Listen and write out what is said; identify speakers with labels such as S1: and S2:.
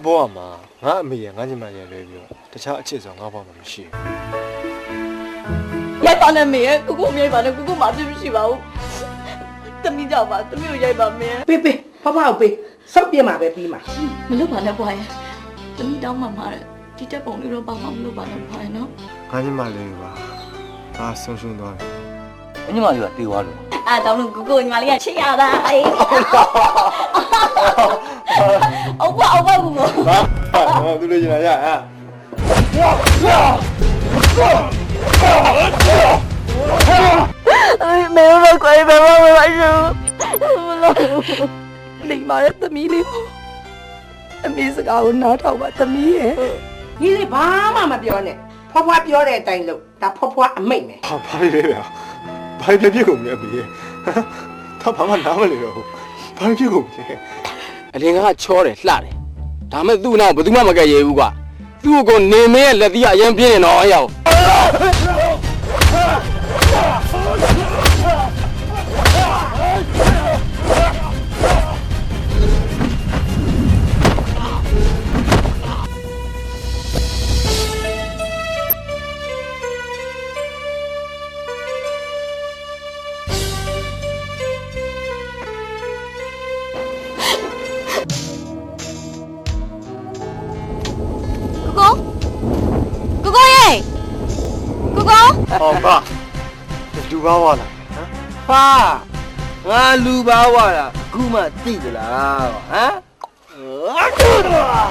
S1: ဘောမှာငါအမေရငါညီမရလွဲပြီးတော့တခြားအချစ်ဆိုငါဘောမှာမရှိဘူး
S2: ရိုက်ပါနဲ့မေရဲ့ကိုကိုမြိုက်ပါနဲ့ကိုကိုမှအပြစ်မရှိပါဘူးတမီးကြောက်ပါတမီးကိုရိုက်ပါမင်း
S3: ပေးပေးဖဖကိုပေးစောက်ပြမှာပဲပြီးမှာ
S2: မလုပ်ပါနဲ့ဘွားရဲ့တမီးတောင်းမှမှာတဲ့ဒီတက်ပုံလေးတော့ပါမှမလုပ်ပါနဲ့ဘွားရဲ့နော်
S1: ငါညီမလေးပါငါဆုံးရှုံးသွားတယ်
S4: ညီမလေးကတေးသွားလို့
S2: တောင်းလို့ကိုကိုညီမလေးကချစ်ရတာအေးအော်ဘာကို
S1: ဟာသူလေးကျင်လာရဟမ်
S2: 哎，没有了，快别忘了来着，你妈的，怎么了？没事搞，我拿头吧，怎么耶？
S3: 你是爸妈嘛表呢？婆婆表的带路，但婆婆妹妹。
S1: ဘာဖြစ်လဲဘာဖြစ်ကုန်လဲဘေး他ဘာမှနားမလဲတော့ဘာဖြစ်ကုန်လဲ
S4: အလင်ကချောတယ်လှတယ်ဒါမဲ့သူ့နောက်ဘယ်သူမှမကဲရဘူးကွာသူ့ကိုနေမင်းရဲ့လက်သီးအရင်ပြင်းနေတော့အယော
S1: ဟောပါလူပါဝါလားဟမ်
S4: ဟာငါလူပါဝါလားအခုမှသိကြလားဟမ်